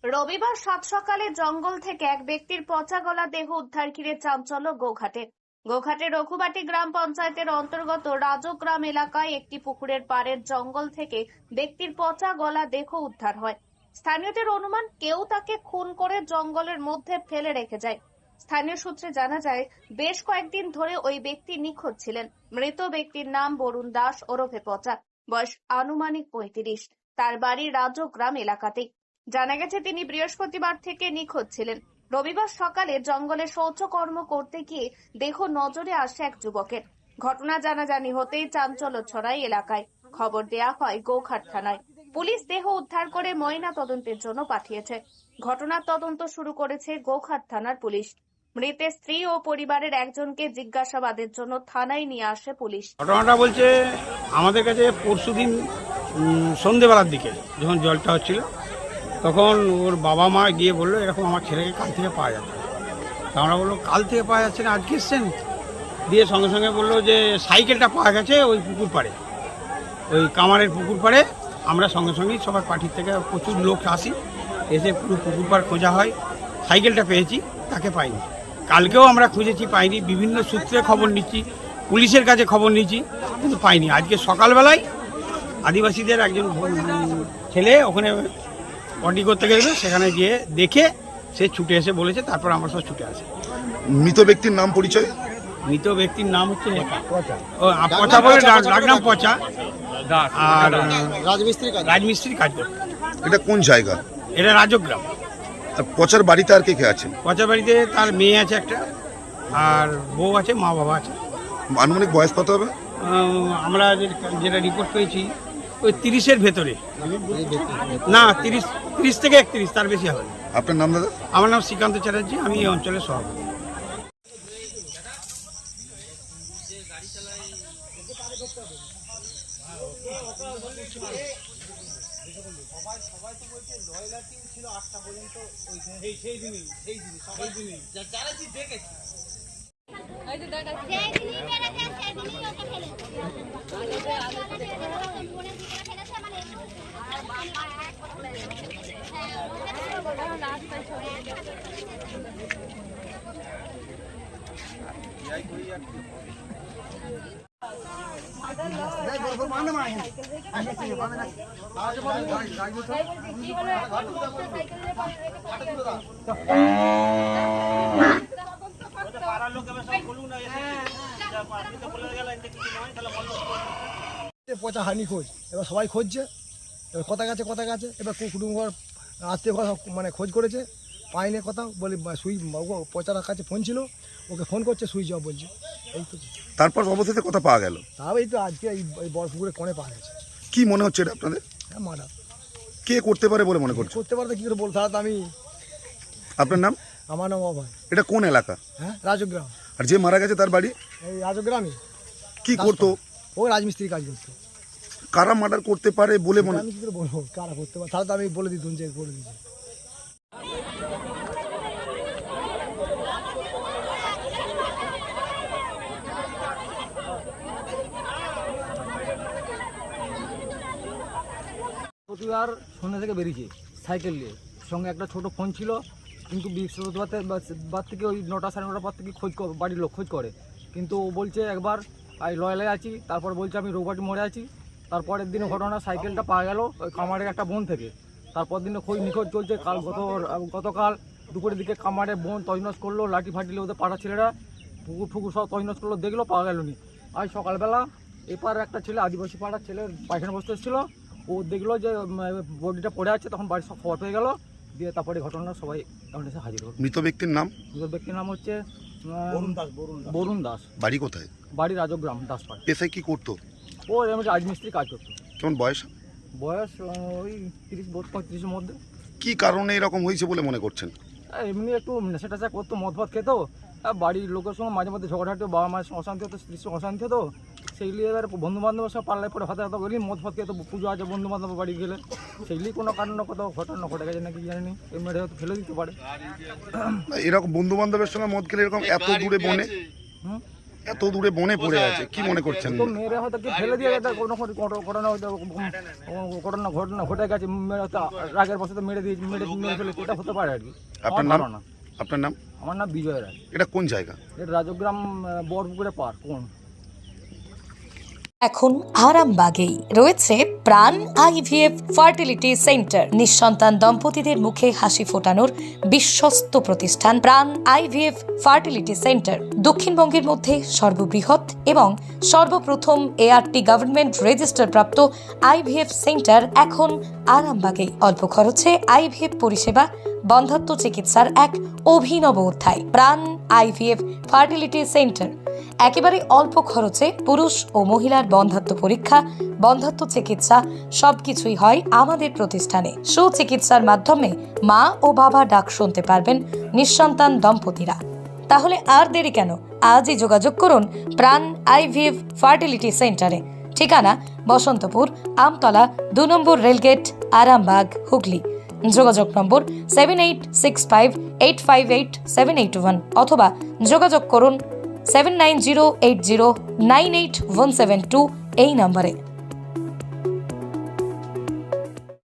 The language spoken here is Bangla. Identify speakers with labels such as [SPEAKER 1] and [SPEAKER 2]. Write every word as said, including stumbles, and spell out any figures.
[SPEAKER 1] রবিবার সাত সকালে জঙ্গল থেকে এক ব্যক্তির পচা গলা দেহ উদ্ধার ঘিরে চাঞ্চল্য গোঘাটে। গোঘাটে রঘুবাটি গ্রাম পঞ্চায়েতের অন্তর্গত রাজগ্রাম এলাকায় একটি পুকুরের পাড়ের জঙ্গল থেকে ব্যক্তির পচা গলা দেহ উদ্ধার হয়। স্থানীয়দের অনুমান, কেউ তাকে খুন করে জঙ্গলের মধ্যে ফেলে রেখে যায়। স্থানীয় সূত্রে জানা যায়, বেশ কয়েকদিন ধরে ওই ব্যক্তি নিখোঁজ ছিলেন। মৃত ব্যক্তির নাম বরুণ দাস ওরফে পচা, বয়স আনুমানিক পঁয়ত্রিশ। তার বাড়ি রাজগ্রাম এলাকাতেই। জানা গেছে, তিনি বৃহস্পতিবার থেকে নিখোঁজ ছিলেন। রবিবার সকালে জঙ্গলে শৌচকর্ম করতে গিয়ে দেহ নজরে আসে এক যুবকের। ঘটনা জানাজানি হতেই চাঞ্চল্য ছড়ায় এলাকায়। খবর দেয়া হয় গোঘাট থানায়। পুলিশ দেহ উদ্ধার করে ময়না তদন্তের জন্য পাঠিয়েছে। ঘটনার তদন্ত শুরু করেছে গোঘাট থানার পুলিশ। মৃতের স্ত্রী ও পরিবারের একজনকে জিজ্ঞাসাবাদের জন্য থানায় নিয়ে আসে পুলিশ।
[SPEAKER 2] ঘটনাটা বলছে, আমাদের কাছে পরশুদিন সন্ধেবেলার দিকে যখন জলটা হচ্ছিল, তখন ওর বাবা মা গিয়ে বললো এরকম আমার ছেলেকে কাল থেকে পাওয়া যাচ্ছে। তা আমরা বললো কাল থেকে পাওয়া যাচ্ছে না, আজকে এসছেন? দিয়ে সঙ্গে সঙ্গে বললো যে সাইকেলটা পাওয়া গেছে ওই পুকুর পাড়ে, ওই কামারের পুকুর পাড়ে। আমরা সঙ্গে সঙ্গেই সবার পার্টির থেকে প্রচুর লোক আসি, এসে পুরো পুকুর পাড় খোঁজা হয়। সাইকেলটা পেয়েছি, তাকে পাইনি। কালকেও আমরা খুঁজেছি, পাইনি। বিভিন্ন সূত্রে খবর নিচ্ছি, পুলিশের কাছে খবর নিচ্ছি, কিন্তু পাইনি। আজকে সকালবেলায় আদিবাসীদের একজন ছেলে ওখানে পটি করতে গেছিল, সেখানে গিয়ে দেখে সে ছুটে এসে বলেছে, তারপর আমরা সব ছুটে আসি।
[SPEAKER 3] মৃত ব্যক্তির নাম পরিচয়?
[SPEAKER 2] মৃত ব্যক্তির নাম হচ্ছে ও পচা বলে ডাকনাম পচা, আর রাজমিস্ত্রি কাজ করত।
[SPEAKER 3] এটা কোন জায়গা?
[SPEAKER 2] এটা রাজগ্রাম।
[SPEAKER 3] আর পচার বাড়িতে আর কে কে আছেন?
[SPEAKER 2] পচা বাড়িতে তার মেয়ে আছে একটা, আর বউ আছে, মা বাবা আছে।
[SPEAKER 3] আনুমানিক বয়স কত হবে?
[SPEAKER 2] আমরা যেটা রিপোর্ট পেয়েছি ওই তিরিশের ভেতরে, না তিরিশ তিরিশ থেকে একত্রিশ, তার বেশি হবে।
[SPEAKER 3] আপনার নাম দাদা?
[SPEAKER 2] আমার নাম শ্রীকান্ত চ্যাটার্জি, আমি এই অঞ্চলের সভাপতি।
[SPEAKER 4] পচা হানি খোঁজ, এবার সবাই খুঁজছে, এবার কথা গেছে কথা গেছে এবার কুটুম ঘর আত্মীয় ঘর মানে খোঁজ করেছে, পাইনি কথা বলি। সুই পচার কাছে ফোন ছিল, ওকে ফোন করছে, সুইচ অফ বলছে। এই তো।
[SPEAKER 3] তারপর অবশেষে কথা পাওয়া গেল?
[SPEAKER 4] তাও এই তো আজকে এই বড় পুকুরে কোণে পাওয়া গেছে।
[SPEAKER 3] কি মনে হচ্ছে এটা আপনাদের?
[SPEAKER 4] হ্যাঁ, মারা।
[SPEAKER 3] কে করতে পারে বলে মনে করছে?
[SPEAKER 4] করতে পারতে কি করে বলতে? তাহলে তো আমি।
[SPEAKER 3] আপনার নাম?
[SPEAKER 4] আমার নাম অভয়।
[SPEAKER 3] এটা কোন এলাকা?
[SPEAKER 4] হ্যাঁ, রাজগ্রাম।
[SPEAKER 3] আর যে মারা গেছে তার বাড়ি?
[SPEAKER 4] এই রাজগ্রামে।
[SPEAKER 3] কি করতো?
[SPEAKER 4] ও রাজমিস্ত্রি কাজ করতো।
[SPEAKER 3] কারা মার্ডার করতে পারে বলে মনে?
[SPEAKER 4] আমি কি করে বলবো কারা করতে পারে? তাহলে তো আমি বলে দিতুম যে বলে দিয়েছি।
[SPEAKER 5] প্রতিবার সন্ধ্যা থেকে বেরিয়েছে সাইকেল নিয়ে, সঙ্গে একটা ছোট ফোন ছিল। কিন্তু বৃহস্পতিবার বার থেকে ওই নটা সাড়ে নটার পর থেকে খোঁজ বাড়ির লোক খোঁজ করে, কিন্তু ও বলছে একবার আমি লয়ালে আছি, তারপর বলছে আমি রঘুবাটি মোড়ে আছি। তারপরের দিনে ঘটনা, সাইকেলটা পাওয়া গেল ওই কামারের একটা বোন থেকে। তারপর দিনে খোঁজ নিখোঁজ চলছে। কাল গত গতকাল দুপুরের দিকে কামারের বোন তজনস করলো, লাঠি ফাটিলে ওদের পাড়া ছেলেরা পুকুর ফুকুর সব তজনস করলো, দেখলো পাওয়া গেল নি। আজ সকালবেলা এপার একটা ছেলে, আদিবাসী পাড়ার ছেলের পায়খানা বসতে এসেছিলো, ও দেখলো যে বডিটা পড়ে আছে, তখন বাড়ির সব খবর পেয়ে গেল। দিয়ে তারপরে ঘটনা সবাই এখন এসে হাজির হল।
[SPEAKER 3] মৃত ব্যক্তির নাম?
[SPEAKER 5] মৃত ব্যক্তির নাম হচ্ছে বরুণ দাস।
[SPEAKER 3] বাড়ি কোথায়?
[SPEAKER 5] বাড়ি রাজগ্রাম, দাসপাড়া।
[SPEAKER 3] পেশায় কি করতো?
[SPEAKER 5] ও এমনি রাজমিস্ত্রি কাজ করতো।
[SPEAKER 3] কেমন বয়স?
[SPEAKER 5] বয়স ওই তিরিশ পঁয়ত্রিশের মধ্যে।
[SPEAKER 3] কি কারণে এরকম হয়েছে বলে মনে করছেন?
[SPEAKER 5] এমনি একটু নেশা টেশা করতো, মদ ভাত খেতো, বাড়ির লোকের সঙ্গে মাঝে মধ্যে ঝগড়া হাঁটো, বাবা মায়ের সঙ্গে অশান্তি হতো, স্ত্রীর সঙ্গে অশান্তি হতো। সেইগুলি এবার বন্ধু বান্ধবের সব পাল্লায় পরে হাতে হাতে গেলি মদ ভাত খেতো, পুজো আছে বন্ধু বান্ধব বাড়ি গেলে, সেইগুলি কোনো কারণ কত ঘটনা ঘটে গেছে নাকি জানি, এমনি হয়তো ফেলে দিতে পারে।
[SPEAKER 3] এরকম বন্ধু বান্ধবের সঙ্গে মদ খেলে এরকম এত দূরে বনে?
[SPEAKER 5] হুম
[SPEAKER 3] এত দূরে বনে পড়ে আছে, কি মনে করছেন?
[SPEAKER 5] তো মেরে হয়তো কি ফেলে দিয়ে গেছে, কোনো কোনো ঘট- ঘটনা হয়তো ঘটনা ঘটনা ঘটে গেছে, মেরে হয়তো রাগের বসে তো মেরে দিয়ে মেরে মেরে ফেলেছে, এটা হতে পারে আর কি।
[SPEAKER 3] আপনার
[SPEAKER 5] আমার
[SPEAKER 3] নাম?
[SPEAKER 5] ধারণা।
[SPEAKER 3] আপনার নাম?
[SPEAKER 5] আমার নাম বিজয় রায়।
[SPEAKER 3] এটা কোন জায়গা?
[SPEAKER 5] এটা রাজগ্রাম আহ, বরপুকুরে পার কোন।
[SPEAKER 6] এখন আরামবাগেই রয়েছে প্রাণ আইভিএফ ফার্টিলিটি সেন্টার। নিঃসন্তান দম্পতিদের মুখে হাসি ফোটানোর বিশ্বস্ত প্রতিষ্ঠান প্রাণ আইভিএফ ফার্টিলিটি সেন্টার দক্ষিণবঙ্গের মধ্যে সর্ববৃহৎ এবং সর্বপ্রথম এআরটি গভর্নমেন্ট রেজিস্টার প্রাপ্ত আইভিএফ সেন্টার এখন আরামবাগেই। অল্প খরচে আইভিএফ পরিষেবা, বন্ধাত্ম চিকিৎসার এক অভিনব অধ্যায়। প্রাণ আইভিএফ ফার্টিলিটি সেন্টার একেবারে অল্প খরচে পুরুষ ও মহিলার বন্ধাত্ম পরীক্ষা, বন্ধাত্ম চিকিৎসা সবকিছুই হয় আমাদের প্রতিষ্ঠানে। সুচিকিৎসার মাধ্যমে মা ও বাবা ডাক শুনতে পারবেন নিঃসন্তান দম্পতিরা। তাহলে আর দেরি কেন? আজই যোগাযোগ করুন প্রাণ আইভিএফ ফার্টিলিটি সেন্টারে। ঠিকানা বসন্তপুর, আমতলা, দু নম্বর রেলগেট, আরামবাগ, হুগলি। যোগাযোগ নম্বর seven eight six five eight five eight seven eight one অথবা যোগাযোগ করুন seven nine zero eight zero nine eight one seven two এই নম্বরে।